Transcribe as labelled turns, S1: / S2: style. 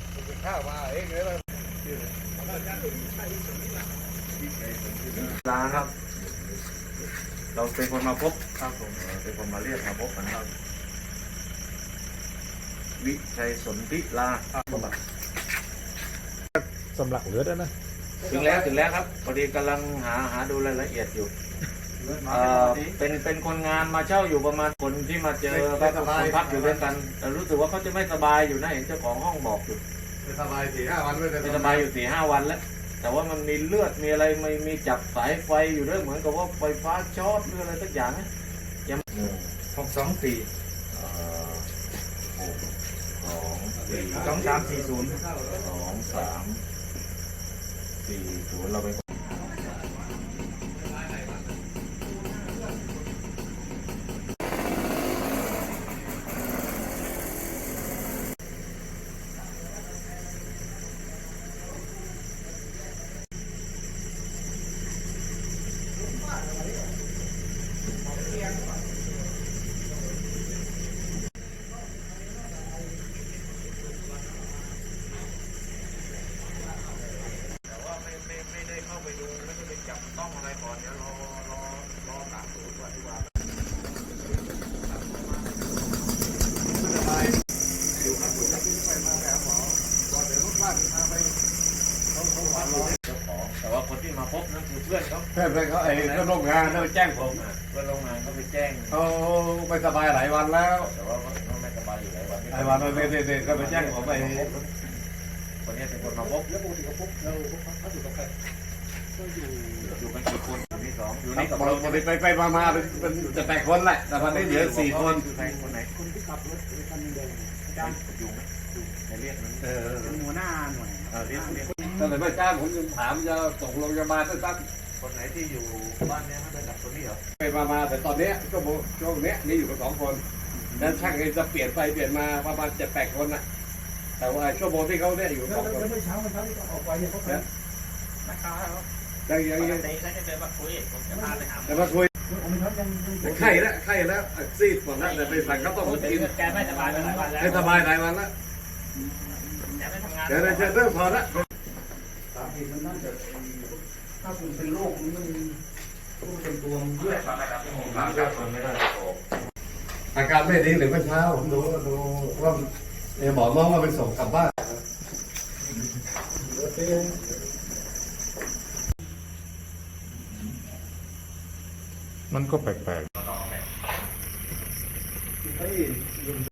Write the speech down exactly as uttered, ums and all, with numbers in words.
S1: ข้าวมาเองเลย
S2: ลาครับเราเป็นคนมาพบครับผมเป็นคนมาเรียกมาพบกันครับวิชัยสนธิลา
S1: สำลักเหลือได้ไหม
S2: ถึงแล้วถึงแล้วครับพอดีกำลังหาหาดูรายละเอียดอยู่เป็นเป็นคนงานมาเช่าอยู่ประมาณคนที่มาเจอก็คนพักอยู่ด้วยกันแต่รู้สึกว่าเขาจะไม่สบายอยู่นะเห็นเจ้าของห้องบอกอยู่
S1: ไม่สบายสี่ห้าวัน
S2: ไม่สบายอยู่สี่ห้าวันแล้วแต่ว่ามันมีเลือดมีอะไรไม่มีจับสายไฟอยู่ด้วยเหมือนกับว่าไฟฟ้าช็อตหรืออะไรสักอย่างนะยังหกสองสี่หกสองสี่สองสามสี่ศูนย์สองสามสี่ศูนย์เราไปต้องอะไรก่อนเดี๋ยวรอรอรอสามศูนย์ก่อนดีกว่าอยู่ครับอยู่แล้วคุณไปมาแล้วหมอก่อนเดี๋ยวรถบ้านพาไปเขาเขาหวานรอเจ้าของแต่ว่าคนที่มาพบนั่นคือเพื่อนเขา
S1: เพื่อนเขาไอ้ก็โรงงานเขาแจ้งผม
S2: เพื่อนโรงงานเขาไปแจ้ง
S1: เขาไม่สบายหลายวันแล้ว
S2: แต่ว่าเขาไม่สบายอยู่หลายวัน
S1: หลายวันเลยเด็กๆก็ไปแจ้งผมไป
S2: คนนี้เป็นคนมาพบแล้วปกติเขาพบแล้วเขาอยู่กับใครก็อยู่อยู่กันกี่คนอยู่ที่สองอยู่นี่กับเรา
S1: ไปไปไปมามาเป็นจะแปดคนแหละแต่วันนี้เหลือสี่คน
S2: คือใครคนไหนคนที่ขับรถคันแดงจ้างอยู่ไหมอยู่ในเรียกนั้น
S1: เออ
S2: เป็นหัวหน้าหน่วยเออเรียกเรียก
S1: ถ้าไหนไม่จ้างผมจะถามจะส่งโรงพยาบาลสั้น
S2: คนไหนที่อยู่บ้านเนี้ยเขาจะจับคนนี้เหรอ
S1: ไปมามาแต่ตอนนี้ก็ช่วงนี้นี่อยู่กับสองคนแล้วช่างเองจะเปลี่ยนไปเปลี่ยนมาประมาณเจ็ดแปดคนน่ะแต่ว่าชั่วโมงที่เขาเนี่ยอยู่สองคน
S3: แล้วเมื่อเช้าเมื่อเช้าที่เขาออกไปเนี่ยเขาเป็น
S2: นะคะ
S1: ยังยังยัง
S2: ได้จะเจอมาคุยผมจะพาไปหา
S1: แต่มาคุยไข้แล้วไข้แล้วซีดหมดแล้วแต่ไปสั่งเขาต้องมากิน
S2: แกไม่สบายมาหลายวันแล้ว
S1: ไม่สบายหลายวันแล้ว
S2: แกไม่ทำงาน
S1: เดี๋ยวจะเริ่มพอละ
S3: สาเหตุมันน่าจะถ้าคุณเป็นโรคมันต้องเป็นตัวมันเยอะ
S1: อาการไม่ดีหรือเมื่อเช้าผมดูดูว่าหมอมองว่าเป็นส่งกลับบ้าน
S4: มันก็แปลกๆ